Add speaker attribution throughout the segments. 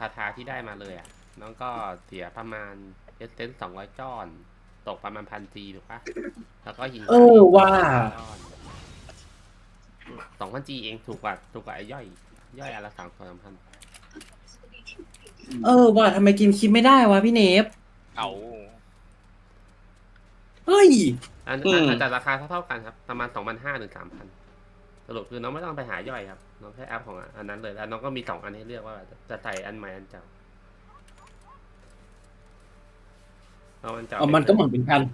Speaker 1: าทาที่ได้มาเลยอ่ะน้องก็เสียประมาณเซน200ก้อนตกประมาณ1,000 Gถูกปะแล้วก็หิน
Speaker 2: ว่า
Speaker 1: ก้อน2,000 Gเองถูกกว่าไอ้ย่อยอนละ3,000
Speaker 2: ว่าทำไมกินคิดไม่ได้วะพี่เนฟ
Speaker 3: เอา
Speaker 2: เฮ้ย
Speaker 1: อาจจะราคาเท่ากันครับประมาณ2,500ถึง3,000สรุปคือน้องไม่ต้องไปหาย่อยครับน้องแค่อัพของอันนั้นเลยแล้วน้องก็มี2 อันให้เลือกว่าจะใส่อันใหม่อันเก่าเอาอันเก่า
Speaker 2: มันก็เหมือนเป็นการ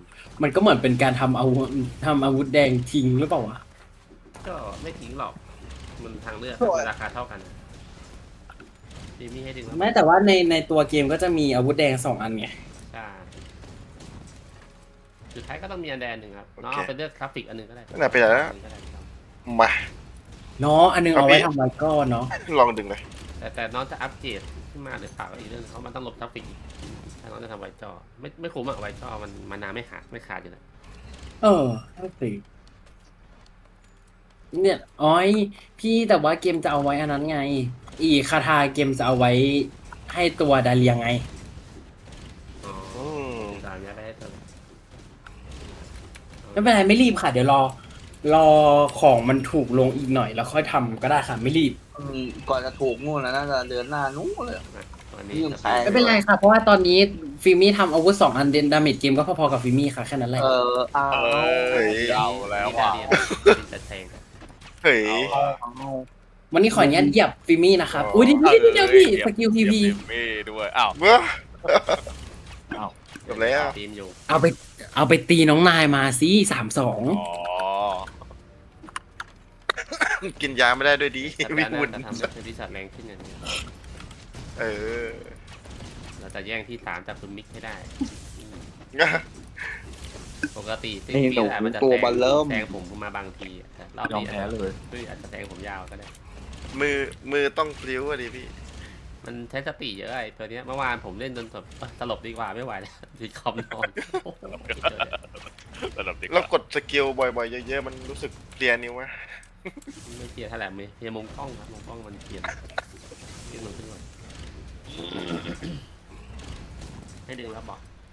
Speaker 2: ทำอาวุธแดงทิ้งหรือเปล่าวะ
Speaker 1: ก็ไม่ทิ้งหรอกมันทางเลือกราคาเท่ากันดีมีให้ดึงแล้ว
Speaker 2: แม้แต่ว่าในตัวเกมก็จะมีอาวุธแดง2 อันไง
Speaker 1: ใช่สุดท้ายก็ต้องมีอันแดนหนึ่งครับน้องเอาไปเลือกกราฟิกอันหนึ่งก็ได้
Speaker 4: นั่นนะไปไหนแล้ว
Speaker 1: อันหนึ่งก็ได้ครับ
Speaker 4: มา
Speaker 2: เนาะอันนึงเอาไว้ทำไวก้อนเนาะ
Speaker 4: ลองดึงเลย
Speaker 1: แต่น้องจะอัปเกรดขึ้นมาหรือเปล่าก็อีกเรื่องเพราะมันต้องลบกราฟิกอีกถ้าน้องจะทำไวจอไม่คุ้มอะไวจอมันนานไม่ขาดอยู่แล้ว
Speaker 2: นั่นสิเนี่ยอ้อยพี่แต่ว่าเกมจะเอาไว้อันนั้นไง อีคาทาเกมจะเอาไว้ให้ตัวดาเลียไง
Speaker 1: อ๋อ
Speaker 4: อืม
Speaker 1: ตามนี้ไปให้เธอ
Speaker 2: ไม่เป็นไรไม่รีบค่ะ เดี๋ยวรอของมันถูกลงอีกหน่อยแล้วค่อยทำก็ได้ค่ะไม่รีบ
Speaker 5: ก่อนจะถูกนู่นนะน่าจะเดือนหน้านู้นเลย
Speaker 1: วันนี้
Speaker 5: ยิ่งแพง
Speaker 2: ไม่เป็นไรค่ะ เพราะว่าตอนนี้ฟิมี่ทำอาวุธ2 อันเดนดาเมจเกมก็พอๆกับฟิมี่ค่ะแค่นั้นแหละ
Speaker 5: เอา
Speaker 4: เฮ้ย
Speaker 3: เอาแล้ว
Speaker 1: นี่
Speaker 3: ว่ะ
Speaker 1: เรียนจะแทง
Speaker 4: เฮ้ย
Speaker 2: วันนี้ขออนุญาตเหยียบฟิมี่นะครับอุ้ยเดี๋ยวพี่สกิลพีพี
Speaker 3: มีด้วยอ้าว
Speaker 4: เมื่อ
Speaker 3: อ้าว
Speaker 4: จบแล้ว
Speaker 1: ทีมอยู่
Speaker 2: เอาไปตีน้องนายมาสิ3-2
Speaker 3: อ๋อ
Speaker 4: กินยาไม่ได้ด้วยดี
Speaker 1: แต่
Speaker 4: วิ
Speaker 1: น่า
Speaker 4: บุญ
Speaker 1: จะทำให้เทนนิสแรงขึ้นอย่างนี้
Speaker 4: เออ
Speaker 1: เราจะแย่งที่3จากคุณมิกให้ได้ปกติซิง
Speaker 5: นี่
Speaker 1: ปี
Speaker 5: หนู
Speaker 1: แหละมันจะ
Speaker 5: ตัวบัลเริ่ม
Speaker 1: แทงผมมาบางทีแต่รอบ
Speaker 3: ยอม
Speaker 1: นี้
Speaker 3: แพ้เลย
Speaker 1: อาจจะแทงผมยาวก็ได้
Speaker 4: มือต้องพลิ้วอะดิพี่
Speaker 1: มันใช้สติเยอะไอ้ตัวเนี้ยเมื่อวานผมเล่นจนแบบสลบดีกว่าไม่ไหวแล้วติดคอมนอนโอ้โหสุดยอดเลย
Speaker 3: ระดับเด็ก
Speaker 4: แล้วกดสกิลบ่อยๆเยอะๆมันรู้สึกเพลียนิ้วไหม
Speaker 1: ไม่เคลียร์เท่าไหร่ไม่เคลียร์มุมกล้องครับมุมกล้องมันเคลียร์ขึ้นลงขึ้นลงให้ดึงแล้วบอก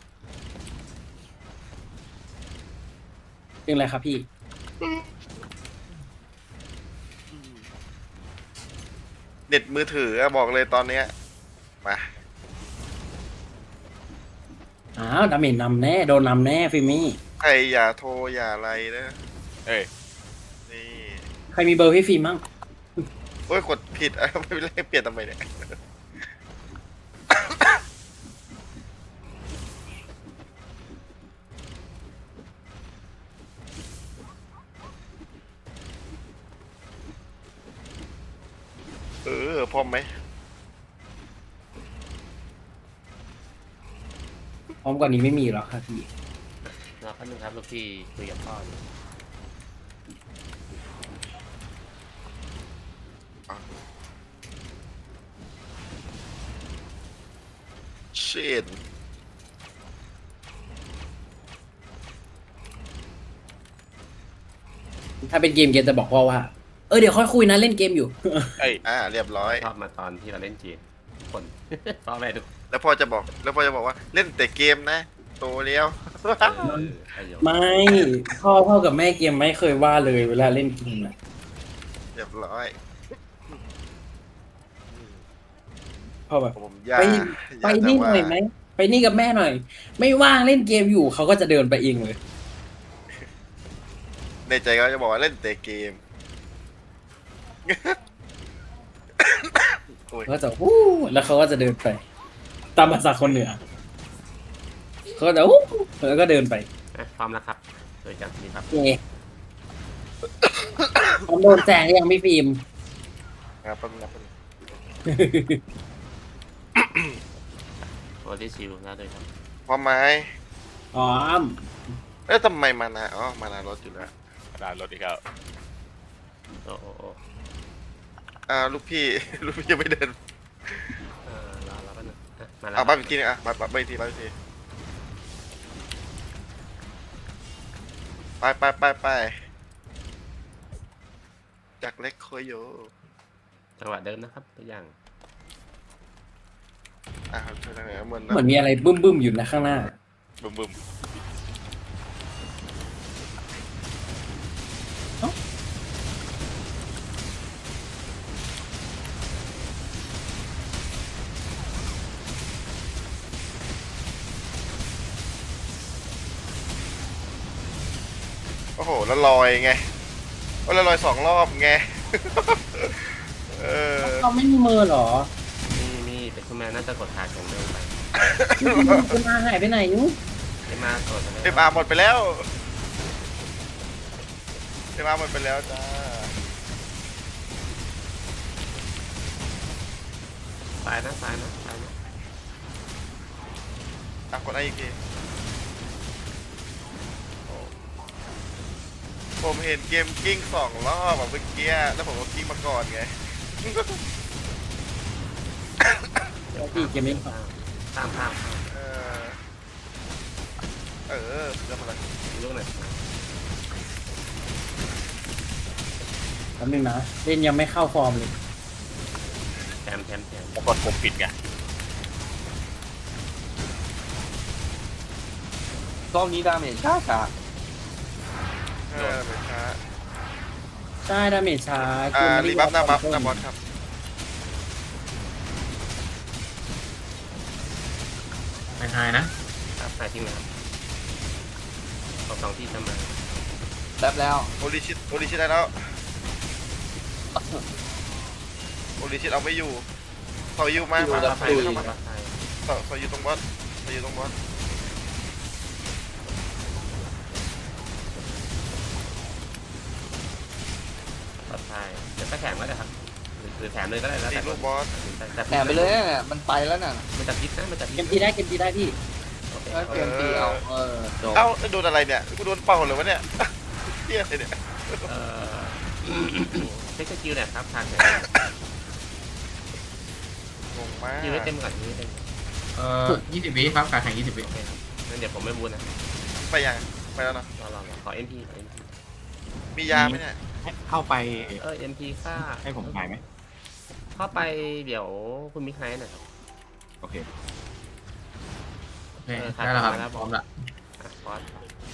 Speaker 2: เป็นอะไรครับพี่
Speaker 4: เน็ตมือถืออะบอกเลยตอนเนี้ยมา
Speaker 2: ดาเมจนำแน่โดนนำแน่ฟิมี่
Speaker 4: ใครอย่าโทรอย่าอะไรนะ
Speaker 3: เอ้ย
Speaker 4: นี่
Speaker 2: ใครมีเบอร์พี่ฟิล์มมั่ง
Speaker 4: โอ้ยกดผิดอะไม่เป็นไรเปลี่ยนทำไมเนี่ยพร้อมไหม
Speaker 2: พร้อมกว่านี้ไม่มีหรอกครับพี่
Speaker 1: รอแป๊บนึงครับลูกพี่คุยกับพ่ออยู่
Speaker 4: เชิด
Speaker 2: ถ้าเป็นเกมจะบอกพ่อว่าเดี๋ยวค่อยคุยนะเล่นเกมอยู่
Speaker 3: เอ้ย
Speaker 4: เรียบร้อย
Speaker 1: ชอบมาตอนที่เราเล่นเกมทุกคน พ่อแม่ทุก
Speaker 4: แล้วพ่อจะบอกว่าเล่นแต่เกมนะโตแล้ว
Speaker 1: ประโยชน์
Speaker 2: ไม่พ่อกับแม่เกมไม่เคยว่าเลยเวลาเล่นเกมนะ
Speaker 4: เรียบร้อย
Speaker 2: พ่อแบบ
Speaker 4: ผมอยาก
Speaker 2: ไป
Speaker 4: อยาก
Speaker 2: ไปนี่ห
Speaker 4: แต่
Speaker 2: น่อย
Speaker 4: ว่า
Speaker 2: ไหมไปนี่กับแม่หน่อย ไม่ว่างเล่นเกมอยู่เขาก็จะเดินไปเองเลย
Speaker 4: ในใจเขาจะบอกว่าเล่นแต่เกม โอ้ย
Speaker 2: เขาก็จะวู้แล้วเขาก็จะเดินไป ตามภาษาคนเหนือเขาก็จะวู้แล้วก็เดินไป
Speaker 1: พร้อมแล้วครับโดยกันนี่ครับ
Speaker 2: เย่ผมโดนแซงยังไม่ฟิล์ม
Speaker 4: ครับแป๊บนึงนะ
Speaker 1: โอที่ชิวแล้วด้วยครับ
Speaker 4: พร้อมไหม
Speaker 2: อ๋อ
Speaker 4: ทำไมมานามานารถอยู่แล้ว
Speaker 3: กระดานรถอีกแล้ว
Speaker 1: โอ้โอ้โอ้
Speaker 4: ลูกพี่ ลูกพี่ยังไม่เดิน
Speaker 1: รอแป๊บนึงมาแล้ว
Speaker 4: บ้านอีกทีนึงบ้านอีกทีไปจากเล็กโคโย
Speaker 1: จังหวะเดิมนะครับตัวอย่าง
Speaker 4: อ่ะช่วยทางไหนเหมือน
Speaker 2: เหมือนมีอะไรบึ้มๆอยู่นะข้างหน้า
Speaker 3: บึ้มบึ้ม
Speaker 4: โอ้โหแล้วลอยไงโอ้แล้วลอย2 รอบไง เออ
Speaker 2: เราไม่มีมือเหรอ
Speaker 1: มีแต่คุณแม่น่าจะกดขาแข็งเร็วไป
Speaker 2: คุณมาหายไปไหนนุ๊ก
Speaker 1: ไอ้มากดไป
Speaker 4: เอ็มอาร์หมดไปแล้วเอ็มอาร์หมดไปแล้วจ้า
Speaker 1: ตายนะตายนะตายนะ
Speaker 4: อ่ะกดไออีกทีโอ้ผมเห็นเกมกิ้ง2 รอบแบบเมื่อกี้แล้วผมก็กิ้งมาก่อนไง
Speaker 2: พี่เกมนี้
Speaker 1: ข้ามข้าม
Speaker 4: เออเออเรื่องอะไร
Speaker 1: ลูกไหน
Speaker 2: แป๊บนึงนะเล่นยังไม่เข้าฟอร์มเลย
Speaker 1: แถม
Speaker 3: แล้วกดปุ่มปิดไง
Speaker 5: รอบนี้ดาเมจช้า
Speaker 4: ไม่ช้า
Speaker 2: ใช่ดาเมจช้า
Speaker 4: รีบัฟหน้าบัฟหน้าบอสครับ
Speaker 6: ไม่หายนะ
Speaker 1: ครับหายทิ้งนะครับสองที่ทำมา
Speaker 5: ๆแป๊บแล้ว
Speaker 4: โอริชิตได้แล้วโอริชิตเอาไม่อยู่ต่อยูมา
Speaker 5: อยู่
Speaker 4: มา
Speaker 5: กับ
Speaker 4: ใส่
Speaker 5: คุย
Speaker 4: เข้ามาต่ออยู่ตรงบอสต่ออยู่ตรงบอส
Speaker 1: ปลอดภัยเดี๋ยวก็แถมก็ได้ครับหรือแถมเลยก็ได้แล้ว
Speaker 4: ตี
Speaker 1: แต่
Speaker 4: ลูกบอส
Speaker 5: แอบไปเลยเนี่ยมันไปแล้วน่ะ
Speaker 1: มันจะพิษนะมันจะพิ
Speaker 2: เก
Speaker 1: ษ
Speaker 2: มทีได้เกมทีได้พี่
Speaker 1: โอเค
Speaker 5: แล้วเกมตีเอาจบ
Speaker 4: เอ้าโดนอะไรเนี่ยกูโดนเป่าเลยวะเนี่ยเฮียอะไรเนี่ย
Speaker 1: เช็คสกิลหน่อยครับทางไหน
Speaker 4: งงมาก
Speaker 1: คิวให้เต็มก่อนคิวให้เต็ม
Speaker 6: 20 วิครับการแข่ง20 วิ
Speaker 1: โอเคครับงั้นเดี๋ยวผมไม่บูนนะ
Speaker 4: ไปยังไปแล้วเนาะ
Speaker 1: รอขอ MP
Speaker 4: มียาไหมเนี่ย
Speaker 6: เข้าไป
Speaker 1: MP ค่า
Speaker 6: ให้ผมหายไหม
Speaker 1: เข้าไปเดี๋ยวคุณมิกไนท์หน่อยครับ
Speaker 6: โอเคโอเค
Speaker 1: ครับ
Speaker 6: ได้แล้วครับ
Speaker 1: ได้แล้ว
Speaker 6: พร้อมละ
Speaker 1: บอส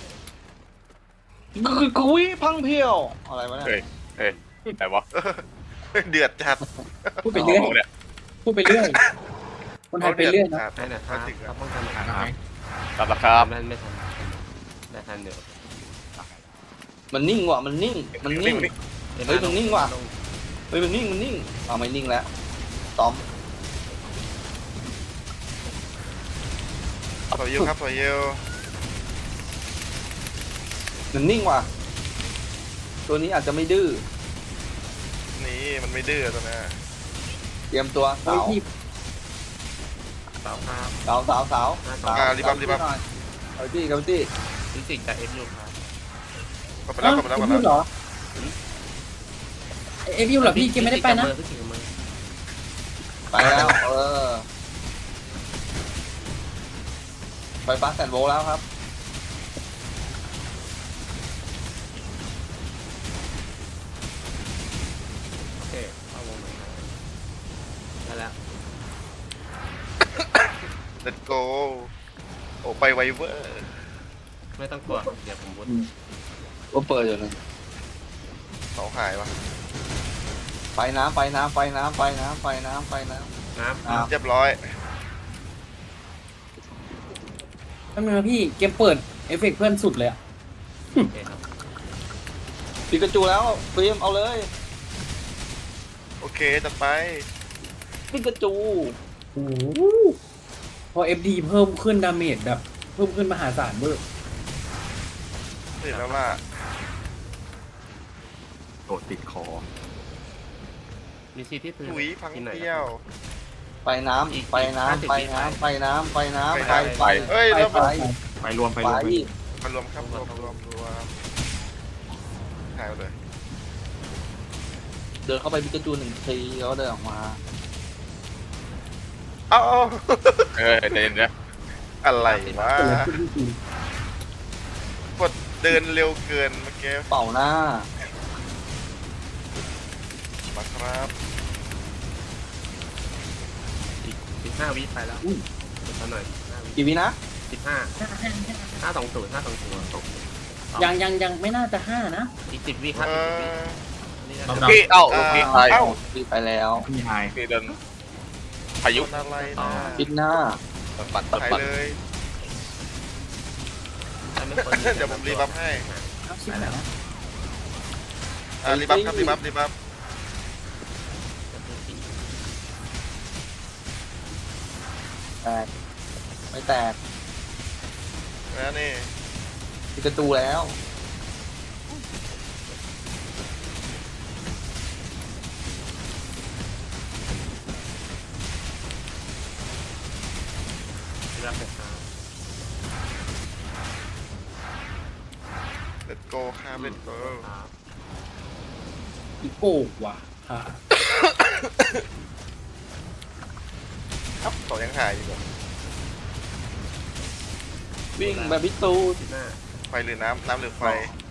Speaker 5: กุยพังเพียวอะไรวะเนี่ย
Speaker 3: เฮ้ยเฮ้ยไหนวะ
Speaker 4: เดือดจัด
Speaker 2: พูดไปเรื่อย
Speaker 3: เนี่ย
Speaker 2: พูดไปเรื่อยคนไทยไปเรื่อยนะ
Speaker 1: ได้นะครับเขาป้องกัน
Speaker 6: หาย
Speaker 1: นะ
Speaker 6: ไหม
Speaker 3: รับราคา
Speaker 1: ไม่ทันได้ทันเดี๋ยว
Speaker 5: มันนิ่งว่ะมันนิ่งมันนิ่ง เฮ้ยมันนิ่งว่ะ เฮ้ยมันนิ่งเอาไม่นิ่งแล้วตอม
Speaker 4: ต่อยูครับต่อยู
Speaker 5: มันนิ่งว่ะตัวนี้อาจจะไม่ดื้อ
Speaker 4: นี่มันไม่ดื้อตัวนี้
Speaker 5: เตรียมตัว
Speaker 2: เฮ้ย
Speaker 5: เสา
Speaker 2: พี่
Speaker 1: สาวครับ
Speaker 5: เสาเอาตี้กับตี้
Speaker 1: ฟิสิกส์จาก FU ครับ
Speaker 4: ก็ไปแล้วก็ไปแล้ว
Speaker 2: เอ
Speaker 4: ก็
Speaker 2: ฟ
Speaker 4: ไป
Speaker 2: ยู
Speaker 4: แล้ว
Speaker 2: เหรอเอฟยูเหรอพี่เกมไม่ได้ไปนะ
Speaker 1: ฟิสิกส์กับมือ
Speaker 5: ไปแล้วไฟฟ้าแสนโวลต์แล้วครับ
Speaker 1: โอเคเข้าวงหน่อยครับได้แล้ว
Speaker 4: เลตโก้โอ้ไปไวเวอร์
Speaker 1: ไม่ต้องกลัวเดี๋ยวผมบูท
Speaker 5: ก็เปิดอยู่นะ
Speaker 4: เสาหายวะ
Speaker 5: ไฟน้ำ
Speaker 1: น้
Speaker 4: เรียบร้อย
Speaker 2: แป๊บนึงนะพี่เกมเปิดเอฟเฟกต์เพื่อนสุดเลยอะ
Speaker 1: ำโอเคครับ
Speaker 5: ปิกาจูแล้วฟิล์มเอาเลย
Speaker 4: โอเคจัดไป
Speaker 5: ปิกาจู
Speaker 2: โอ้โหพอเอฟดีเพิ่มขึ้นดาเมจแบบเพิ่มขึ้นมหาศาลเบอร์
Speaker 4: เห็นแล้วล่ะ
Speaker 6: โดดติดคอ
Speaker 1: มีซีที่พื้น
Speaker 4: ถุยพัง
Speaker 1: ที่ไหน
Speaker 4: เที่ยว
Speaker 5: ไฟน้ำ
Speaker 1: อีก
Speaker 5: ไฟน้ำ
Speaker 1: 50
Speaker 5: ไฟน้ำไฟน้ำไฟน้ำไฟไฟ
Speaker 4: เฮ้ยแล้ว
Speaker 5: ไฟ
Speaker 6: ไปรวมไป
Speaker 5: ไฟ
Speaker 6: รวมไป
Speaker 4: มารวมครับรวมหายไปเลย
Speaker 5: เดินเข้าไปปิกาจู1 ทีแล้วเดินออกมา
Speaker 4: เอ้า
Speaker 3: เดินนะ
Speaker 4: อะไรวะ
Speaker 2: เกิดอะไรขึ้นพี่
Speaker 4: กดเดินเร็วเกินเมื่อกี้
Speaker 5: เป่าหน้า
Speaker 4: มาครับ
Speaker 1: อีก 15 วิไปแล้วสักหน่อย15 วิ
Speaker 5: กี่วินะ
Speaker 1: 15 520 520
Speaker 2: ยังไม่น่าจะ5นะ
Speaker 1: อีก10 วิครับ
Speaker 4: เอ
Speaker 1: อีก10 วิ
Speaker 4: อ
Speaker 1: นี่
Speaker 6: รอบ
Speaker 1: นะ
Speaker 6: ดำ
Speaker 3: พี่เอ้าลูกพี่ตาย
Speaker 4: เอ้า
Speaker 5: วิไปแล้ว
Speaker 6: พี่ไฮ
Speaker 3: พี่เดินพายุ
Speaker 4: โดนอะไรนะ
Speaker 5: ปิดหน้า
Speaker 3: ปัด
Speaker 4: ไปเลย
Speaker 1: ไม่ควร
Speaker 4: เดี๋ยวผมรีบัฟให้
Speaker 2: เอาชิบหายนะ
Speaker 4: รีบัฟครับรีบัฟรีบัฟ
Speaker 5: แตกไม่แตก
Speaker 4: แล้วนี่
Speaker 5: ปิดประตูแล้ว
Speaker 1: รับไปครับ
Speaker 4: เลตโกครับเลตโก
Speaker 1: ครับ
Speaker 2: อีโก้ว่ะค่ะ
Speaker 4: ครับต่อยังหายอยู่
Speaker 5: วิ่งแบบพิตู
Speaker 1: ที่หน้า
Speaker 4: ไฟหรือน้ำน้ำหรือไฟ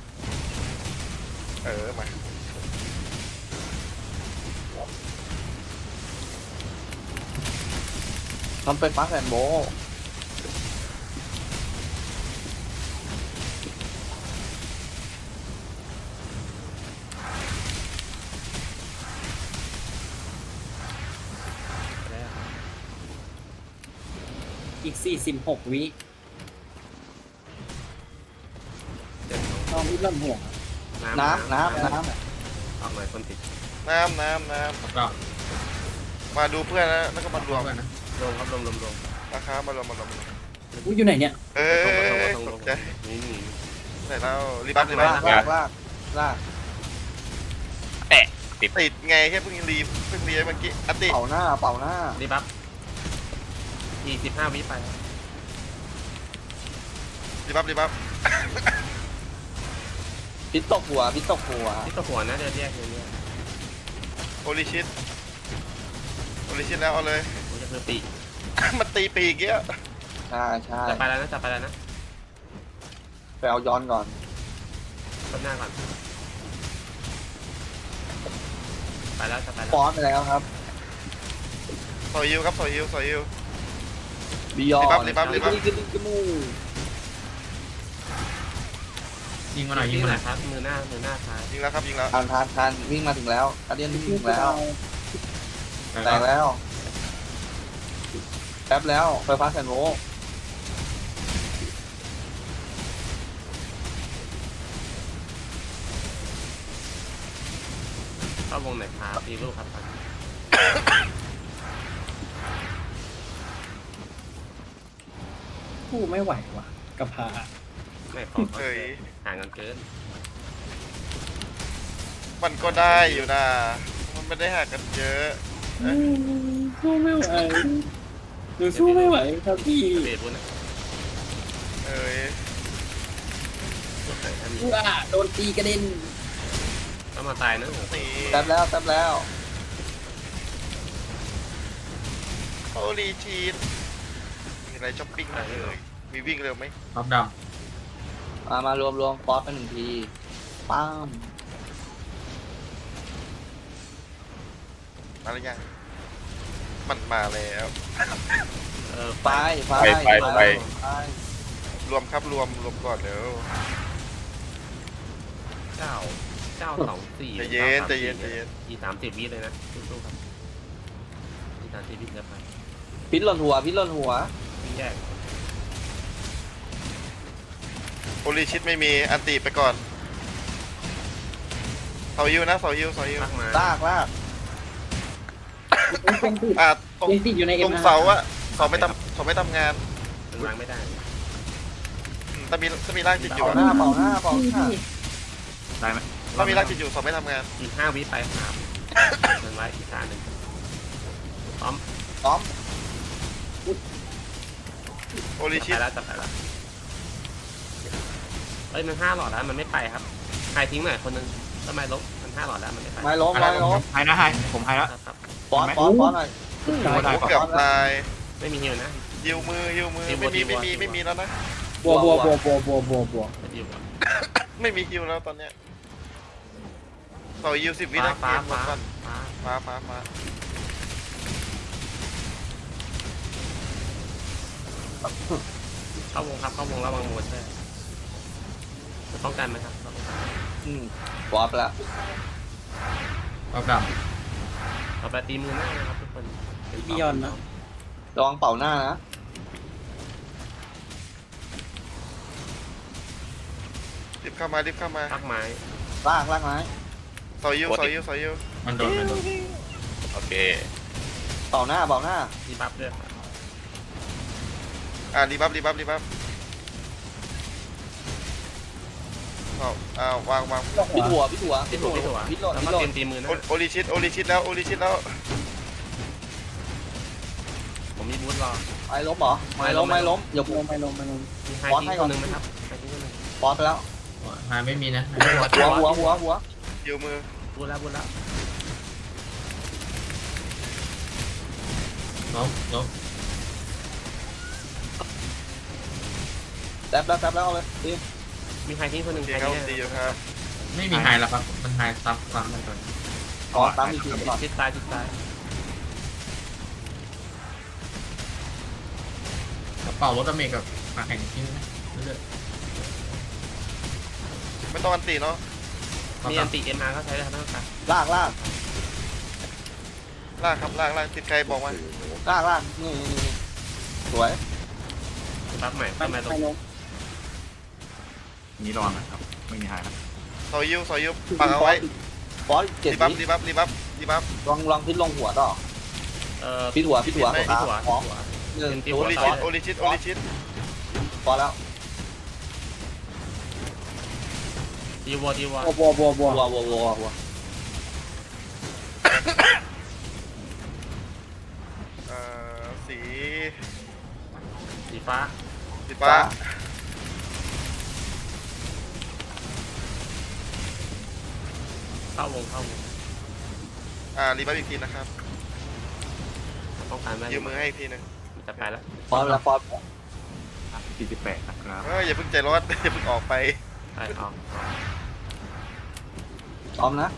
Speaker 4: มา
Speaker 5: ทำไปฟ้าแสนโบ
Speaker 1: แล้ว
Speaker 2: อีก46 วิ
Speaker 1: เจ็ดสอง
Speaker 2: ต้องรีบเริ่มห่วง
Speaker 5: น้ำ
Speaker 1: ออกหน่อยคนติด
Speaker 4: น้ำ
Speaker 6: ก็
Speaker 4: มาดูเพื่อนนะแล้วก็มารวม
Speaker 6: กันนะ
Speaker 1: รวมครับรวม
Speaker 4: นะครับมารวม
Speaker 2: อุ้ยอยู่ไหนเนี่ย
Speaker 4: ตกใจ
Speaker 1: นี่
Speaker 4: ไหนแล้วรีบัฟรีบั
Speaker 5: ลา
Speaker 4: ฟ
Speaker 5: กลากลากลาก
Speaker 4: ติดไงแค่เพิ่งรีเมื่อกี้อติ
Speaker 5: เป่าหน้าเป่าหน้า
Speaker 1: รีบัฟอีก15 วิไป
Speaker 4: รีบัฟรีบัฟ
Speaker 5: พิษตกหัวพิษตกหัว
Speaker 1: ที่ตัวหัวนะเดี๋ยวแยกเนี้ย
Speaker 4: โอริชิตแล้วเอาเลย
Speaker 1: มันจะคือปีก
Speaker 4: มันตีปีกเงี้ย
Speaker 5: ใช่ใช่
Speaker 1: จะไปแล้วนะจะไปแล้วนะ
Speaker 5: ไปเอาย้อนก่อน
Speaker 1: ต้นหน้าก่อนไปแล้วจะไปแล้ว
Speaker 5: ฟอนไปแล้วครับ
Speaker 4: สอยยิวครับสอยยิว
Speaker 5: บิยอน
Speaker 4: รีบัฟ
Speaker 5: จมูก
Speaker 6: ยิงมาหน่อยยิงมาหน่อย
Speaker 1: ครับมือหน้าซ้าย
Speaker 4: ยิงแล้วครับยิงแล้ว
Speaker 5: ทานวิ่งมาถึงแล้วอาเดียนวิ่งถึงแล้วแตกแล้วแป๊บแล้วไฟฟ้าแสนโวลต์
Speaker 1: เข้าวงไหนครับตีลูกครับ
Speaker 2: ผู้ไม่ไหวว่ะกระพา
Speaker 1: ไม่ขอ
Speaker 4: เฮ้ย
Speaker 1: ห่างกันเกิน
Speaker 4: มันก็ได้อยู่นะมันไม่ได้ห่างกันเยอะ
Speaker 2: สู้ไม่ไหวหนูสู้ไม่ไหวครับพี่
Speaker 1: เบรบุญนะ
Speaker 4: เอ้ย
Speaker 2: ว้าโดนตีกระเด็น
Speaker 1: ต้องมาตายนะ
Speaker 4: นี่
Speaker 5: แป๊บแล้ว
Speaker 4: โอริชิตมีอะไรช้อปปิ้งไหมมีวิ่งเร็วไหม
Speaker 6: รอบด
Speaker 5: มารวมฟอสกันหนึ่งทีปั้ม
Speaker 4: มาหรือยังมันมาแล้ว
Speaker 5: ไป
Speaker 4: รวมครับรวมก่อนเดี๋ยว
Speaker 1: 924
Speaker 4: ใจเย็น
Speaker 1: อี30 วิเลยนะสู้ๆครับอี30 วิจะไป
Speaker 5: พิษหล่นหัว
Speaker 1: วิ่งแยก
Speaker 4: โอริชิตไม่มีอันติไปก่อนเสายิวนะเสายิว
Speaker 1: มากมาย
Speaker 5: ลาก
Speaker 2: เป็นติด
Speaker 4: ตรง
Speaker 2: เป็นติดอยู่ใน
Speaker 4: ต
Speaker 2: เอ็
Speaker 4: ร
Speaker 2: ม
Speaker 4: งเสาอะเสาไม่ทำงาน
Speaker 1: มันวางไม่ได้
Speaker 4: ถ้ามีร่างจิตอยู่
Speaker 5: เป่า
Speaker 4: อะ
Speaker 5: หน้าเป่าหน้า
Speaker 6: ำได้ไหม
Speaker 4: ถ้ามีร่างจิตอยู่เสาไม่ทำงาน
Speaker 1: อีก5 วิไปครับมันไว้อีกขาหนึ่งพร้อม
Speaker 5: ต้อม
Speaker 4: โอริชิ
Speaker 1: ไป
Speaker 4: ต
Speaker 1: แล้วจะไปแล้วเอ้ยมัน5 หลอดแล้วมันไม่ไปครับใครทิ้งหน่อยคนนึงทำไมลบมัน5 หลอดแล้วมันไม่ไป
Speaker 5: ไม่ล้ม
Speaker 6: ไฮนะไฮผมไฮแล้ว
Speaker 1: ครับ
Speaker 5: ฟอนหน่อย
Speaker 4: เกือบตาย
Speaker 1: ไม่มีฮิวนะ
Speaker 4: ยิวมือไม่มีแล้วนะ
Speaker 2: บัว
Speaker 1: ไม่ฮิว
Speaker 4: ไม่มีฮิวแล้วตอนเนี้ยต่อยิว10 วินะ
Speaker 1: ฟ้า
Speaker 4: เกมหมดก่อนฟ้า
Speaker 1: เข้าวงครับเข้าวงระวังโมดใช่จะป้องกันไหมครับ
Speaker 5: วอร์ปแล้ว
Speaker 6: เอากลับ
Speaker 1: ต่อไปตีมือหน้านะครับทุกคน
Speaker 2: พี่ยอนนะ
Speaker 5: ระวังเป่าหน้านะ
Speaker 4: รีบเข้ามารีบเข้ามา
Speaker 1: พักไม้
Speaker 5: ลากไม้
Speaker 4: ซอยยูซอยยูซอยยู
Speaker 6: มันโดน
Speaker 3: โอเค
Speaker 5: เป่าหน้า
Speaker 1: ดีบัฟด้วยครับ
Speaker 4: รีบัฟรีบัฟรีบัฟวาง
Speaker 5: พี่ถั่ว
Speaker 1: พี่ถั่ว
Speaker 5: พี่โหลด
Speaker 1: แล้วก็เตรียมตีมือหน้า
Speaker 4: โอริชิตแล้ว
Speaker 1: ผมมีบูทรอ
Speaker 5: ไม้ล้มเหรอไม้ล้มอย่า
Speaker 2: ลงไปลงไปลง
Speaker 1: มีไฮ
Speaker 5: บอส
Speaker 1: ทิ้
Speaker 5: ให้
Speaker 1: ง
Speaker 5: ก่
Speaker 1: ตั
Speaker 5: อน
Speaker 1: วหนึ่งไหมครับไฮทิ้งตัวหนึ่ง
Speaker 5: บอสไปแล้ว
Speaker 6: หายไม่มีนะ
Speaker 5: หัว
Speaker 4: ยูมือ
Speaker 1: บูทแล้ว
Speaker 6: ล้ม
Speaker 5: แซบแล้วเอาเลยดี
Speaker 1: มีไฮทิ้งตัวหนึ่ง
Speaker 4: ดี
Speaker 1: ไฮ
Speaker 4: ครับ
Speaker 1: ทิ้ง
Speaker 4: ดีอยู่ครับ
Speaker 6: ไม่มีหายแล้วครับมันหายซับฟังมันก่อน
Speaker 5: ก่อนตามอีกทีก่อน
Speaker 1: ชิดซ้าย
Speaker 6: กระเป๋ารถอเมริกับปากแข่งทิ้งนะเรื่อย
Speaker 4: ไม่ต้องอันตีเนาะ
Speaker 1: มีอันติเอ็มอาร์ก็ใช้ได้ทั้งครับ
Speaker 5: ลาก
Speaker 4: ลากครับลากติดใครบอกมา
Speaker 5: นี่สวย
Speaker 1: บัฟใหม่
Speaker 2: ไป
Speaker 1: ทำไมตรง
Speaker 2: ไปลง
Speaker 6: นี้ระวังนะครับไม่มีหายนะ
Speaker 4: ซอยยูปักเอาไว้
Speaker 5: บอสเจ็ด
Speaker 4: รีบัฟ
Speaker 5: ลองพิษลงหัวต่อ พิษหัว
Speaker 1: พี่ถั่ว
Speaker 5: หนึ่ง
Speaker 4: โอริชิต
Speaker 5: พอแล้ว
Speaker 1: ดีวัว
Speaker 2: บัว
Speaker 4: สี
Speaker 1: สีฟ้า
Speaker 4: ฟ้า
Speaker 1: เข้าวง
Speaker 4: รีบัฟอีกทีนะครับ
Speaker 1: ป้องกันได้
Speaker 4: ยืมมือให้อีกทีนึง
Speaker 1: จะไปแล้ว
Speaker 5: พอแล้ว
Speaker 6: 48นะครับ
Speaker 4: อย่าเพิ่งใจร้อน อย่าเพิ่งออกไป
Speaker 1: ไปออก
Speaker 5: พร้อมนะ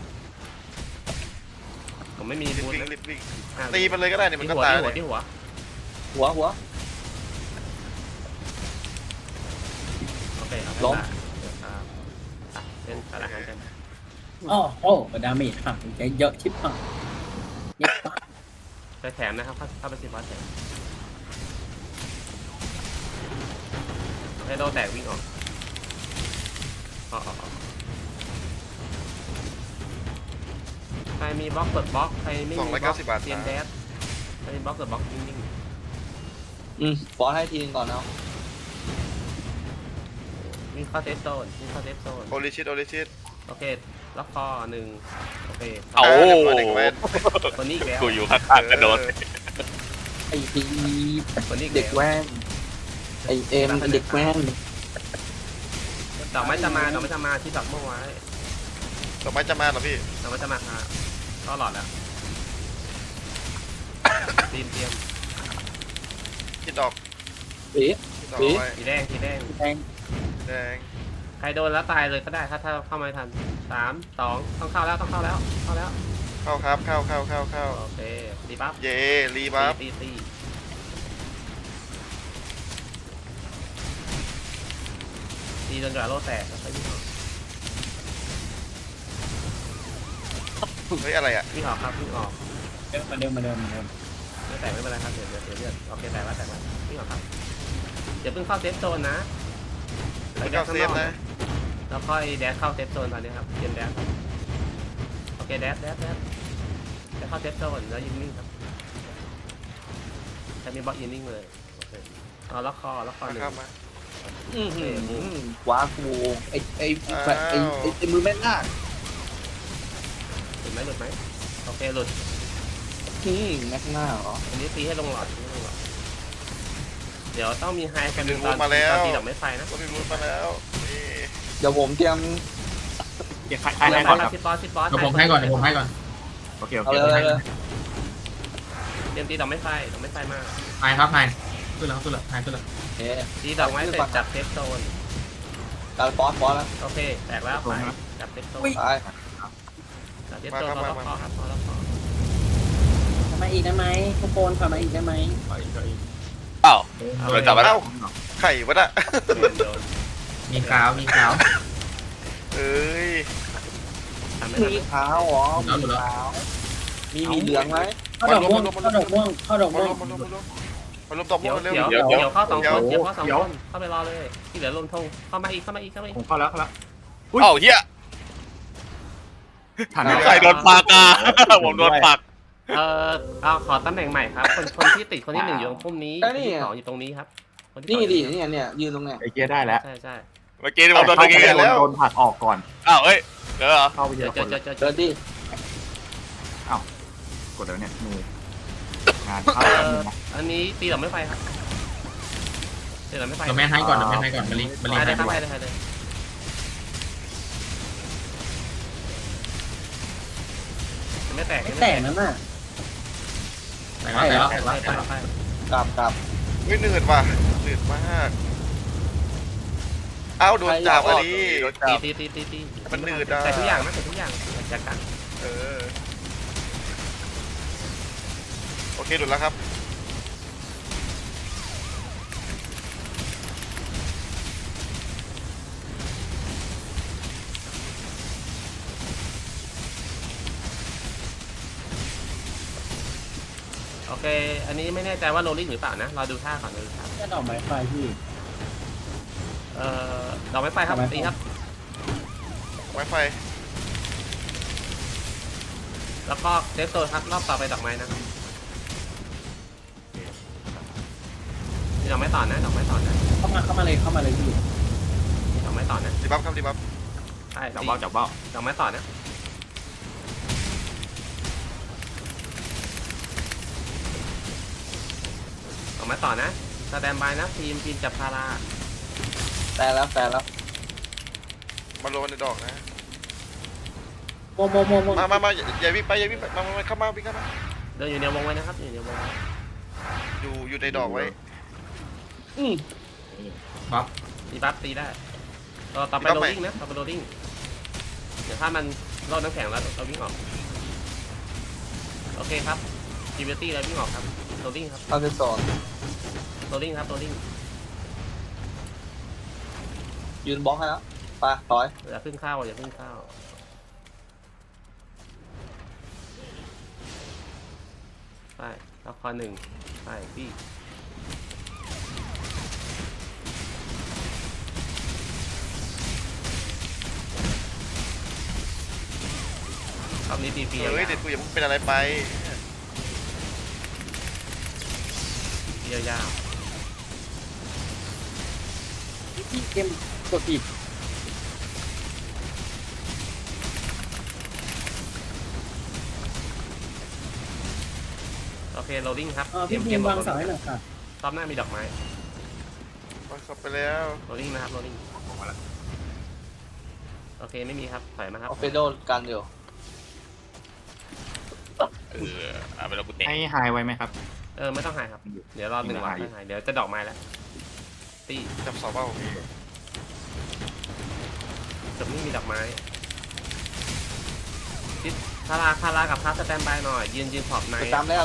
Speaker 1: ผมไม่มี
Speaker 4: รีบ
Speaker 1: บูท
Speaker 4: วิ่งตีมันเลยก็ได้เนี่ยมันก็ตายเลย
Speaker 1: ที่หัว
Speaker 5: หัว
Speaker 1: โอเค
Speaker 5: ล้ม
Speaker 1: เล่นสารอาหารกัน
Speaker 2: อ๋อโอ้ดาเมจหักใจเยอะชิบหายนี่ปะ
Speaker 1: ไปแถมนะครับเข้าไปสิบอสแถมให้โดนแตกวิ่งออกใครมีบล็อกเปิดบล็อกใครไม่มีบล็อก
Speaker 4: 290 บาท
Speaker 1: เตรียมแดสใครมีบล็อกเปิดบล็อกนิ่ง
Speaker 5: บอสให้ทีนึงก่อนนะ
Speaker 1: ๆวิ่งเข้าเซฟโซน
Speaker 4: โอริชิต
Speaker 1: โอเคล็อกคอหนึ่งโอเค
Speaker 3: เอา
Speaker 4: เด็กแว้น
Speaker 1: คนนี้อีกแล้ว
Speaker 3: กูอยู่ข้างๆกระโดด
Speaker 5: ไอ้พี
Speaker 1: คนนี้อีก
Speaker 5: เด็ก
Speaker 1: แล้ว
Speaker 5: แว่นไอเอ็มเด็กแว่น
Speaker 1: ดอกไม้จะมาที่ดอกเมื่อไว้
Speaker 4: ดอกไม้จะมาเหรอพี่
Speaker 1: ดอกไม้จะมาค่ะก็หลอดแล้วเตรียม
Speaker 4: คิดดอก
Speaker 5: สี
Speaker 4: เอาไว้
Speaker 1: สีแดง
Speaker 2: แดง
Speaker 4: แดง
Speaker 1: ใครโดนแล้วตายเลยก็ได้ถ้าเข้ามาทัน3 2ต้องเข้าแล้วเข้าแล้ว
Speaker 4: เข้าครับเข้า
Speaker 1: โอเคดีปั๊บ
Speaker 4: เย่รีบัฟ
Speaker 1: ตีจนกว่าโลแตกแล้วค่อยวิ่งออก
Speaker 4: เฮ้ยอะไรอ่ะ
Speaker 1: วิ่งออกครับวิ่งออก
Speaker 2: มาเดิม
Speaker 1: ไม่แตกไม่เป็นไรครับเดี๋ยวเลือดโอเคแตกแล้ววิ่งออกครับเดี๋ยวเพิ่งเข้าเซฟโซนนะ
Speaker 4: ไม่เข้าเซฟนะ
Speaker 1: แล้วค่อยแดชเข้าเซฟโซนตอนนี้ครับเตรียมแดชโอเคแดชจะเข้าเซฟโซนแล้วยิงนิ่งครับจะมีบล็อกยิงนิ่งเลยโอเคเอาล็อกคอหนึ่ง
Speaker 4: เข้ามา
Speaker 5: ว้ากูไอ้มือแม่นาค
Speaker 1: หลุดไหมโอเคหลุด
Speaker 5: แม่หน้าเหรอ
Speaker 1: อันนี้ตีให้ลงหลอดเดี๋ยวต้องมีไฮกัน
Speaker 4: เป็น
Speaker 1: ตอน
Speaker 4: มาแล้ว
Speaker 1: ตีดอกไม้ไฟนะ
Speaker 4: ก็มีรูทมาแล้วนี่
Speaker 5: เดี๋ยวผมเตรียม
Speaker 6: เดี๋ยว
Speaker 1: ให้
Speaker 6: ให้
Speaker 1: บ
Speaker 6: ก่
Speaker 1: อ
Speaker 6: อน
Speaker 1: ส
Speaker 6: ครับ
Speaker 1: ชิดบอส
Speaker 6: เดี๋ยวผมให้ก่อนโอเค
Speaker 5: เอาเลย
Speaker 1: เตรียมตีดอกไม้ไฟมา
Speaker 6: หายครับหายขึ้นแล้วหายขึ้นแล้ว
Speaker 1: ตีดอกไม้เสร็จจับเซฟโซน
Speaker 5: การบอสแล้ว
Speaker 1: โอเคแตกแล้วไปจับเซฟโซน
Speaker 5: ไป
Speaker 1: จับเซฟโซนล็อกคอครับล็อกคอ
Speaker 2: มาอีกได้ไหมทุกคนขอมาอีกได้ไหม
Speaker 6: ไปอีก
Speaker 3: เปล่า
Speaker 6: โด
Speaker 1: เอา
Speaker 3: โด
Speaker 1: ไป
Speaker 3: นจับไปแล้ว
Speaker 4: ไข่วะน่ะ
Speaker 1: โดน
Speaker 6: มีขาวมีขาว
Speaker 4: เอ้ย
Speaker 1: ทำไม่
Speaker 5: มี
Speaker 1: ทัน
Speaker 5: ขาวเหรอมีขาวมีเหลืองไหม
Speaker 2: เข้าดอกม่วงเข้าดอกม่วงเข้าดอก
Speaker 4: มา
Speaker 2: ม่ว
Speaker 4: ร
Speaker 2: ง
Speaker 4: วมตบ
Speaker 1: เดี๋ยว
Speaker 4: เร็ว
Speaker 1: เดี๋ยว
Speaker 3: เดี๋ยว
Speaker 1: เดี๋ยวเข้า2 คนเดี๋ยวเข้า2 คนเข้าไปรอเลยที่เหลือลงทงเข้ามาอีกเข้ามาอีกเข้ามาอีก
Speaker 7: ผมเข้าแล้ว
Speaker 3: เอ้าเฮีย
Speaker 7: ทันไหม
Speaker 3: ใส่โดนปากอ่ะผมโดนปาก
Speaker 1: เอาขอตำแหน่งใหม่ครับคนที่ติดคนที่1อยู่ตรงพุ่มนี้คนที่2อยู่ตรงนี้ครับคนที่
Speaker 5: นี่
Speaker 1: สอง
Speaker 5: ดิเนี่ยยืนตรงเนี้ย
Speaker 7: ไอเกียร์ได้แล้ว
Speaker 1: ใช่
Speaker 3: เมื่อกี้ที่ผมโดนตะกี้
Speaker 7: โดนผลักออกก่อน
Speaker 3: อ้าวเอ้ยเดี๋ยวเหรอ
Speaker 7: เข้าไปเจ
Speaker 1: เจ
Speaker 7: อ
Speaker 1: อ
Speaker 7: คน
Speaker 1: เจอ
Speaker 5: เดินดิ
Speaker 7: กดแล้วเนี่ยมืองานเข้าแล้วนะ
Speaker 1: อันนี้ตีดอกไม่ไฟครับตีดอกไม่ไฟ
Speaker 6: เราแม่นให้ก่อนเราแม่นให้ก่อนมาลิมาลิ
Speaker 1: ได้
Speaker 6: ให้
Speaker 1: ครับ
Speaker 6: ด้วย
Speaker 1: ได้เลยไม่แตก
Speaker 2: ไม่แตกนั่นน่ะ
Speaker 6: แต่แล้ว
Speaker 5: กลับ
Speaker 4: ไม่หนืดว่ะหนืดมากเอ้าโดนจับอันนี้
Speaker 3: โดนจับ
Speaker 1: ตี
Speaker 4: มันหนืดอ่ะ
Speaker 1: แต่ทุกอย่างนะแต่ทุกอย่างจากกัน
Speaker 4: เออโอเคหลุดแล้วครับ
Speaker 1: โอเค อันนี้ไม่แน่ใจว่าโรลลิ่งหรือเปล่านะรอดูท่าก่อนดูท่า
Speaker 2: แค่ดอกไม้ไฟพี่
Speaker 1: ดอกไม้ไฟครับตีครับ
Speaker 4: ไวไฟ
Speaker 1: แล้วก็เซฟโซนครับรอบต่อไปดอกไม้นะครับมีดอกไม้ต่อนะดอกไม้ต่อนะ
Speaker 2: เข้ามาเลยพี่
Speaker 1: มีดอกไม้ต่อนะ
Speaker 4: ดีบัฟครับดีบัฟ
Speaker 1: ใช่
Speaker 7: จับเบ้าจับเบ้า
Speaker 1: ดอกไม้ต่อนะดอกไม้ต่อนะสแตนบายนะทีมจับพารา
Speaker 5: แต่แล้ว
Speaker 4: มาโรนในดอกนะ
Speaker 2: โมง
Speaker 4: มาอย่าวิ่งไปมาเข้ามาวิ่งเข้ามา
Speaker 1: เดินอยู่ในวงไว้นะครับอยู่ในวง
Speaker 4: อยู่ในดอกไว้
Speaker 6: บ๊อบ
Speaker 1: ตีบัฟตีได้ต่อไปโรลลิ่งนะต่อไปโรลลิ่งเดี๋ยวถ้ามันรอดน้ำแข็งแล้วเราวิ่งออกโอเคครับจีเวตี้เราวิ่งออกครับโรลลิ่งครับ
Speaker 5: เข้าไปสอน
Speaker 1: โรลลิ่งครับโรลลิ่ง
Speaker 5: ยืนบล็อกให้แล้วไปถอย
Speaker 1: อย่าพึ่งเข้าอย่าพึ่งเข้าไปละคร1ไปพี่รอบนี้ตีฟรี
Speaker 4: เฮ้ยเด็ดกูอย่าเพิ่งเป็นอะไรไป
Speaker 1: ยาว
Speaker 2: พี่เกมกดผิด
Speaker 1: โอเคโรลลิ่งครับ
Speaker 2: พี่เกมวางเสาให้หน่อยค่ะ
Speaker 1: รอบหน้ามีดอกไม้
Speaker 4: มาขับไปแล้ว
Speaker 1: โรลลิ่งนะครับโรลลิ่งโอเคไม่มีครับถอยมาครับ
Speaker 5: เอาเฟโดกันเดี๋ยว
Speaker 3: เอาไปแล้วกูเตะ
Speaker 7: ให้ไฮไว้ไหมครับ
Speaker 1: ไม่ต้องหายครับเดี๋ยวรอ1 วันให้หายเดี๋ยวจะดอกไม้แล้วตี
Speaker 4: จับเสาเบ้า
Speaker 1: จบนี่มีดอกไม้ทิศคารากับพาสแตนบายหน่อยยืนขอบใน
Speaker 5: จำแล้ว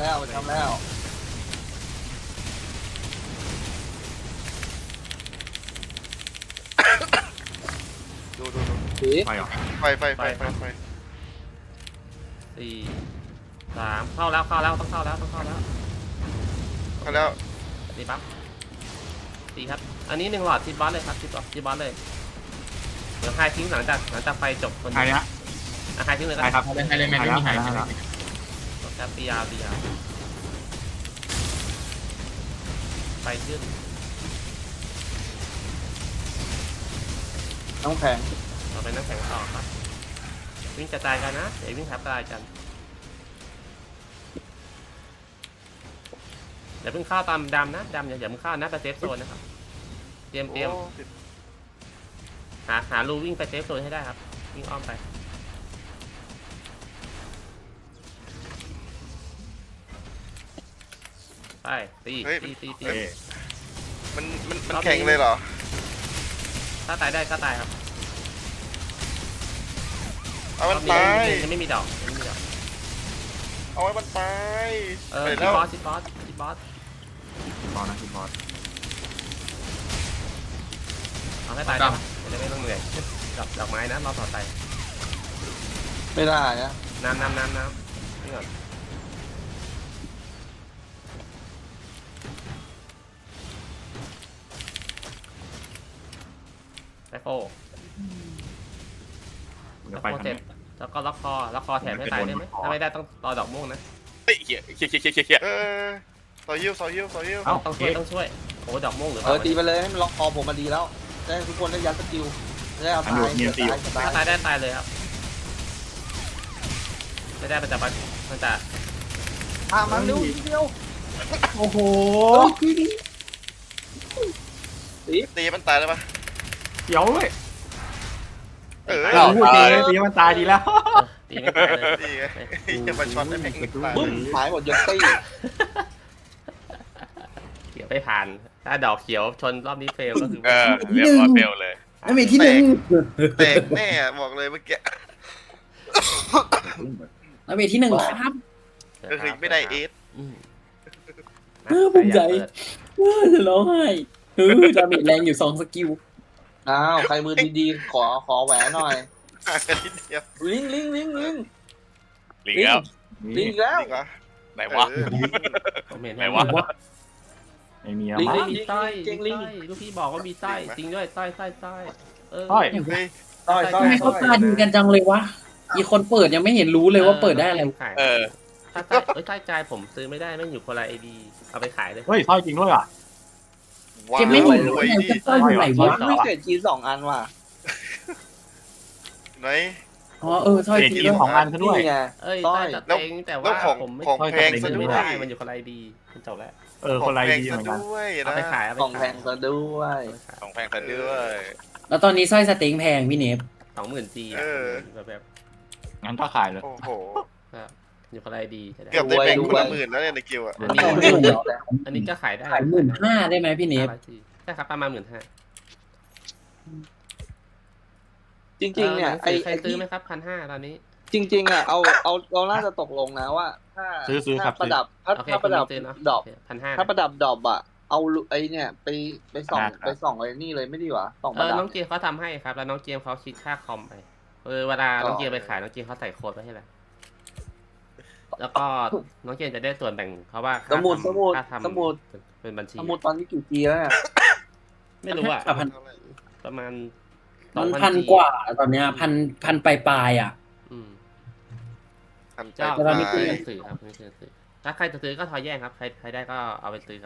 Speaker 4: ดู
Speaker 5: สี
Speaker 7: ไฟออก
Speaker 4: ไฟ
Speaker 1: 4 3เข้าแล้วต้องเข้าแล้ว
Speaker 4: เข้าแล้ว
Speaker 1: ตีปั๊บตีครับอันนี้1 หลอดทีบอสเลยครับทีบอสเลยเดี๋ยวไฮทิ้งหลังจากไฟจบคน
Speaker 7: ไฮนะ
Speaker 1: ไฮทิ้งเลยก็
Speaker 7: ไฮ
Speaker 1: ได้
Speaker 7: ครับ
Speaker 6: ให้เลยแม่ไม่มีหาย
Speaker 7: แล้ว
Speaker 1: ครับตียาวไฟขึ้น
Speaker 5: น้องแข็ง
Speaker 1: ต่อไปน้ำแข็งต่อครับวิ่งกระจายกันนะเดี๋ยววิ่งทับกระจายกันเดี๋ยวเพิ่งเข้าตามดำนะดำอย่าเพิ่งเข้านะไปเซฟโซนนะครับเตรียมหารูวิ่งไปเซฟโซนให้ได้ครับวิ่งอ้อมไปไปตี
Speaker 4: มันแข็งเลยเหรอ
Speaker 1: ถ้าตายได้ก็ตายครับ
Speaker 4: เอามันตาย
Speaker 1: ยังไม่มีดอก
Speaker 4: เอาไว้มันตายไป
Speaker 1: ชิ
Speaker 4: แล้ว
Speaker 1: บอส
Speaker 7: อนะคุณบอส
Speaker 1: เอาให้ตายได้ปะจะได้ไม่ต้องเหนื่อยกับดอกไม้นะรอบต่อไป
Speaker 5: ไม่ได้นะ
Speaker 1: น้ำนี่ก่อนไซโฟ
Speaker 7: เดี๋
Speaker 1: ล็
Speaker 7: ย
Speaker 1: อ
Speaker 7: ว
Speaker 1: ก
Speaker 7: ไป
Speaker 1: คอ
Speaker 7: ทาง
Speaker 1: เสร็จ
Speaker 7: นี้
Speaker 1: แล้วก็ล็อกคอแถมให้ตายได้ไหมถ้าไม่ได้ต้องรอดอกม่วงนะ
Speaker 3: เฮ้ยเหี้ยเหี้ย
Speaker 4: ต่อยิ้วต่อยิ้วต่อยิ้ว
Speaker 7: เอ้า
Speaker 1: ต้องช่วยโอ้ดอกม่วงหรือเป
Speaker 5: เอ
Speaker 1: ล่า
Speaker 5: อตีไปเลยให้มันล็อกคอผมมาดีแล้วจะให้ทุกคนได้ยัดสกิลจะได้เอาตายตาย
Speaker 1: ถ้าตายได้ตายเลยครับไม่ได้มันจะ
Speaker 5: มันดูทีเดียว
Speaker 2: โอ้โห
Speaker 4: ตีมันตายได้ปะ
Speaker 7: เดี๋ยวเลย
Speaker 4: เออ
Speaker 7: เราพูดจริงเลยตีมันตายดีแล้ว
Speaker 1: ตีไม่ตายเลย
Speaker 4: นี่ไงจะมาช็อตได้แม่งตาย
Speaker 5: บึ้มหายหมดยกตี้
Speaker 1: เขียวไม่ผ่านถ้าดอกเขียวชนรอบนี้เฟลก็คือ
Speaker 3: เรียบร้อยเฟลเลย
Speaker 2: ไม่มีที่หนึ่ง
Speaker 4: แตกแน่บอกเลยเมื่อกี้
Speaker 2: ไม่มีที่หนึ่งครับ
Speaker 4: ก็คือไม่ได้เอส
Speaker 2: ภูมิใจจะร้องไห้ดาเมจแรงอยู่2สกิล
Speaker 5: อ้าวใครมือดีๆขอแหวนหน่อย
Speaker 4: ห่างกันนิดเดียว
Speaker 5: ลิง
Speaker 3: ลิงแล้ว
Speaker 5: ลิงอีกแล้ว
Speaker 4: ดีกว่า
Speaker 3: ไหนวะ ไหนวะ
Speaker 7: ไม่มี
Speaker 5: ลิง
Speaker 7: มา
Speaker 5: ลิง
Speaker 1: มีไส้ลูกพี่บอกว่ามีไส้จริงด้วยไส้เออ
Speaker 7: ต้อย
Speaker 4: เฮ้ย
Speaker 5: ต้อย
Speaker 2: ทำไมเขาตาดีกันจังเลยวะอีคนเปิดยังไม่เห็นรู้เลยว่าเปิดได้อะไร
Speaker 1: ขาย
Speaker 3: เออ
Speaker 1: ถ้าใต้ใจผมซื้อไม่ได้ไม่อยู่คนละไอดีเอาไปขายเลย
Speaker 7: เฮ้ยต้อยจริงด้วยอ่ะ
Speaker 4: ว้า
Speaker 2: เกมไม่เห็น
Speaker 4: ร
Speaker 2: รู้
Speaker 4: วย
Speaker 2: ไง
Speaker 4: ดิ
Speaker 2: จะต้อยอยู่ไหนวะ
Speaker 5: ไม่เกิดจี2 อันว่ะ
Speaker 4: ไหน
Speaker 2: อ๋อสร้อย
Speaker 7: เด็ก
Speaker 2: ที
Speaker 7: กิน
Speaker 2: แล้ว
Speaker 7: ของอันซะด้วย
Speaker 5: นี่ไง
Speaker 1: เอ้ย
Speaker 5: ต้อ
Speaker 1: ใต้
Speaker 5: ย
Speaker 1: จะเต็งแต่ว่าผมไม่
Speaker 4: ของแพงซะ
Speaker 1: ซื้อ
Speaker 4: ด้
Speaker 1: ไม่
Speaker 4: ว
Speaker 1: ได้
Speaker 4: ย
Speaker 1: มันอยู่คนละไอดีมันจบแล้ว
Speaker 7: คนไรดี
Speaker 4: ข
Speaker 7: เห
Speaker 4: อง
Speaker 7: มือน
Speaker 4: แพ
Speaker 7: กัน
Speaker 4: งซะด้วย
Speaker 1: เอา
Speaker 4: นะ
Speaker 1: ไปขาย
Speaker 5: ของแพงซะด้วย
Speaker 3: ของแพงซะด้วย
Speaker 2: แล้วตอนนี้สร้อยสเต็งแพงพี่เนฟ
Speaker 1: 20,000 G แบบ
Speaker 7: งั้นก็ขายเลย
Speaker 4: โอ้โห
Speaker 1: อยู่คนละไอดี
Speaker 4: เกือบได้แบ่งคนละหมื่นแล้วเนี่ยในกิวอ่ะ
Speaker 1: อันนี้ก็ขายได้
Speaker 2: ขาย15,000ได้ไหมพี่เนฟ
Speaker 1: ใช่ครับประมาณ15,000
Speaker 5: จริงๆเนี่ยไอ้
Speaker 1: ใครซื้อไหมครับ1,500ตอนนี้
Speaker 5: จริงๆอ่ะเราน่าจะตกลงนะว่า
Speaker 7: ซื้อครับ
Speaker 5: ประดับ
Speaker 1: โอเค
Speaker 5: ถ้าประดับ
Speaker 1: ซื้อเนาะ
Speaker 5: ดอก
Speaker 1: 1,500
Speaker 5: ถ้าประดับดอกอ่ะเอาไอ้เนี่ยไปส่องไอ้นี่เลยไม่ดีกว่าส่องประดับ
Speaker 1: น้องเกียร์เขาทำให้ครับแล้วน้องเกียร์เขาคิดค่าคอมไปเวลาน้องเกียร์ไปขายน้องเกียร์เขาใส่โค้ดไว้ให้แล้วแล้วก็น้องเกียร์จะได้ส่วนแบ่งเพราะว่าค่าทำเป็นบัญชี
Speaker 5: สมุดตอนนี้กี่ปีแล้วเนี่ย
Speaker 1: ไม่รู้อะ
Speaker 2: พัน
Speaker 1: ประมาณ
Speaker 2: มัน
Speaker 1: 2,000
Speaker 2: พันกว่าตอนเนี้ยพันปลายอ่ะ
Speaker 4: ทำใจ
Speaker 1: เจ้า
Speaker 2: แต่เราไม่
Speaker 1: ซื้
Speaker 2: ซื้
Speaker 1: อ
Speaker 2: อ
Speaker 1: หนังสือครับไม่ซื้อหนังสือถ้าใครจะซื้อก็ทอยแย่งครับใครได้ก็เอาไปซื้อครับ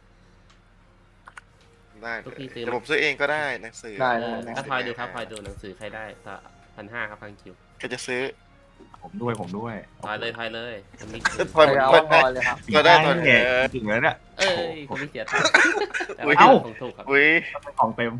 Speaker 4: ได้
Speaker 1: ทุกทีซื้อ
Speaker 4: แต่ผมซื้อเองก็ได้หนังสือ
Speaker 5: ได้
Speaker 1: ก็ทอยดูครับทอยดูหนังสือใครได้ก็1,500ครับพังคิว
Speaker 4: ก็จะซื้อ
Speaker 7: ผมด้วย
Speaker 1: ทอยเลยมันมี
Speaker 4: พอย
Speaker 5: เอา
Speaker 4: พอย
Speaker 5: พอเลยครับ
Speaker 4: ก็ได้ตอน
Speaker 7: แก่ถึงแล้วเนี่ย
Speaker 1: เอ้ยคุณไม่เสียตังค์แต่
Speaker 4: อุ๊ย
Speaker 1: ว่าผมถูกครับ
Speaker 4: อุ้ย
Speaker 7: ของเต็ม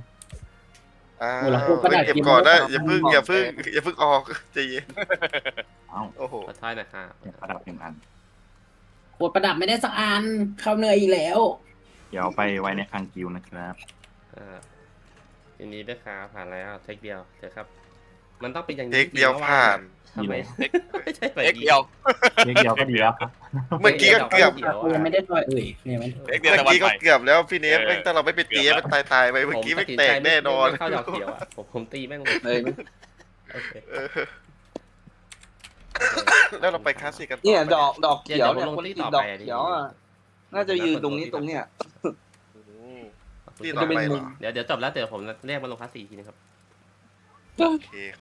Speaker 4: เก็บก่อนได้อย่าเพิ่งออกใจเย็น
Speaker 7: เอ้า
Speaker 4: โอ้โห
Speaker 1: ขอทอยหนะครับ
Speaker 7: ประดับ1 อัน
Speaker 2: ขวดประดับไม่ได้สักอันเข้าเหนื่อยอีกแล้ว
Speaker 7: เดี๋ยวไปไว้ในคังกิวนะครับ
Speaker 1: ทีนี้ด้วยครับผ่านแล้วเทคเดียวเดี๋ยวครับ มันต้องเป็นอย่างนี้
Speaker 4: เทคเดียวผ่าน
Speaker 1: ทำไมไม่ใช่แบบ
Speaker 3: เอ็ก
Speaker 1: นี้
Speaker 3: เดียว
Speaker 7: เล็กเดียวก็ดีแล้วครับ
Speaker 4: เมื่อกี้ก็เกือบ
Speaker 2: ยังไม่ได้ทอยยังไม่
Speaker 3: เอ็กเดียว
Speaker 4: เมื่อ
Speaker 3: ตะวัน
Speaker 4: กี้
Speaker 3: ให
Speaker 4: ก็
Speaker 3: ม่
Speaker 4: เกือบแล้วพี่เนฟแม่งถ้าเราไม่ไปตีมันตายไปเมื่อกี้ไม่แตกแน่นอน
Speaker 1: เข้าดอกเขียวอ่ะผมตีแม่งเลย
Speaker 5: เฮ้ย
Speaker 1: โอเค
Speaker 4: แล้วเราไปคลาสสิกกันต่อ
Speaker 5: เนี่ยดอกเขียวเนี่ยคนที่ติดดอกเขียวอ่ะน่าจะยืนตรงเนี้ย
Speaker 4: ที่
Speaker 5: มัน
Speaker 4: ต่อ
Speaker 5: จะเป็น
Speaker 4: ไปเหร
Speaker 5: มุ
Speaker 4: อ
Speaker 5: ม
Speaker 1: เดี๋ยวจบแล้วเดี๋ยวผมเรียกมาลงคลาส4ทีนะครับ
Speaker 4: โอเค